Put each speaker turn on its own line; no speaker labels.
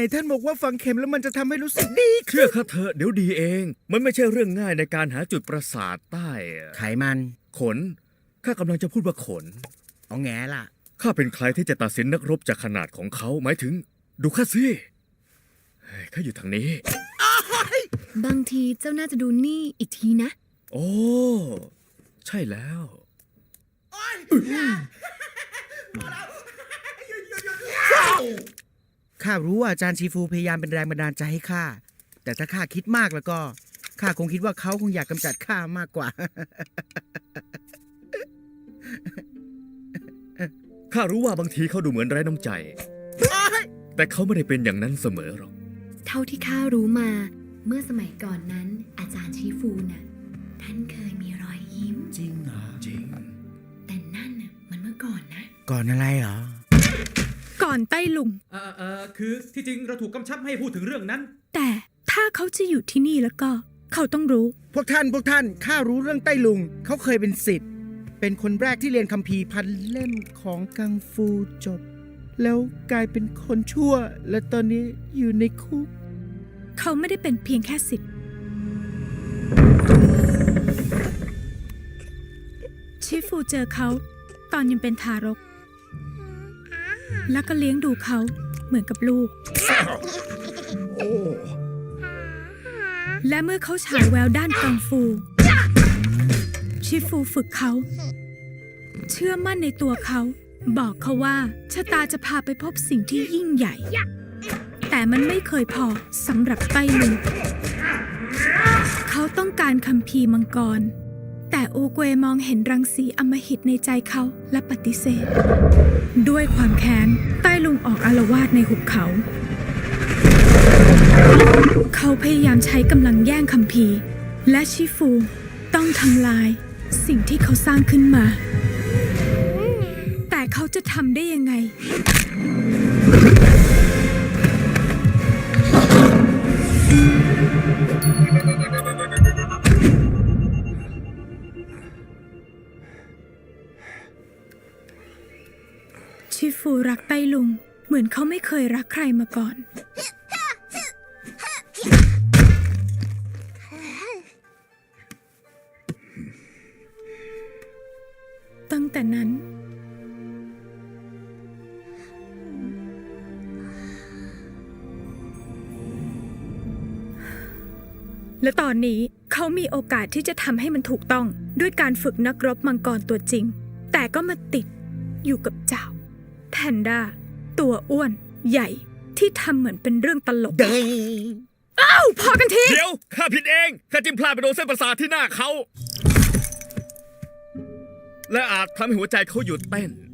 ท่านบอกว่าฝังเข็มแล้วมันจะทำให้รู้สึกดี
เชื่อข้าเถอะเดี๋ยวดีเอง มันไม่ใช่เรื่องง่ายในการหาจุดประสาทใต้
ไขมัน
ขนข้ากำลังจะพูดว่าขน
เอาแง่ล่ะ
ข้าเป็นใครที่จะตัดสินนักรบจากขนาดของเขาหมายถึง ดูข้าสิเฮ้ยข้าอยู่ทางนี้
บางทีเจ้าน่าจะดูนี่อีกทีนะ
โอ้ใช่แล้ว
ข้ารู้ว่าอาจารย์ชีฟูพยายามเป็นแรงบันดาลใจให้ข้า แต่ถ้าข้าคิดมากแล้วก็ข้าคงคิดว่าเขาคงอยากกำจัดข้ามากกว่า
ข้ารู้ว่าบางทีเขาดูเหมือนไร้น้ำใจ แต่เขาไม่ได้เป็นอย่างนั้นเสมอหรอก
เท่าที่ข้ารู้มา เมื่อสมัยก่อนนั้น อาจารย์ชีฟูน่ะท่านเคยมีรอยยิ้ม
จริงเหรอ
จริง
แต่นั่นน่ะมันเมื่อก่อนนะ
ก่อนอะไรเหรอ
ก่อนใต้ลุง
คือที่จริงเราถูกกำชับให้พูดถึงเรื่องนั้น
แต่ถ้าเขาจะอยู่ที่นี่แล้วก็ เขาต้องรู้
พวกท่านข้ารู้เรื่องไต้ลุง เขาเคยเป็นศิษย์ เป็นคนแรกที่เรียนคัมภีร์พันเล่มของกังฟูจบ แล้วกลายเป็นคนชั่ว และตอนนี้อยู่ในคุก
เขาไม่ได้เป็นเพียงแค่ศิษย์ชิฟูเจอเขาตอนยังเป็นทารก แล้วก็เลี้ยงดูเขาเหมือนกับลูก และเมื่อเขาฉายแววด้านกังฟู ชิฟูฝึกเขา เชื่อมั่นในตัวเขา บอกเขาว่าชะตาจะพาไปพบสิ่งที่ยิ่งใหญ่ แต่มันไม่เคยพอสำหรับไต้ลุงเขาต้องการคัมภีร์มังกร แต่อูเกวมองเห็นรังสีอำมหิตในใจเขาและปฏิเสธ ด้วยความแค้นไต้ลุงออกอาละวาดในหุบเขา เขาพยายามใช้กำลังแย่งคัมภีร์และชิฟูต้องทำลายสิ่งที่เขาสร้างขึ้นมา แต่เขาจะทำได้ยังไง ชิฟูรักไต้ลุงเหมือนเขาไม่เคยรักใครมาก่อน ตั้งแต่นั้น และตอนนี้เขามีโอกาสที่จะทำให้มันถูกต้องด้วยการฝึกนักรบมังกรตัวจริง แต่ก็มาติดอยู่กับเจ้าแพนด้าตัวอ้วนใหญ่ที่ทำเหมือนเป็นเรื่องตลก อ้าวพอกันที
เดี๋ยวข้าผิดเองข้าจิ้มพลาดไปโดนเส้นประสาทที่หน้าเขา และอาจทำให้หัวใจเขาหยุดเต้น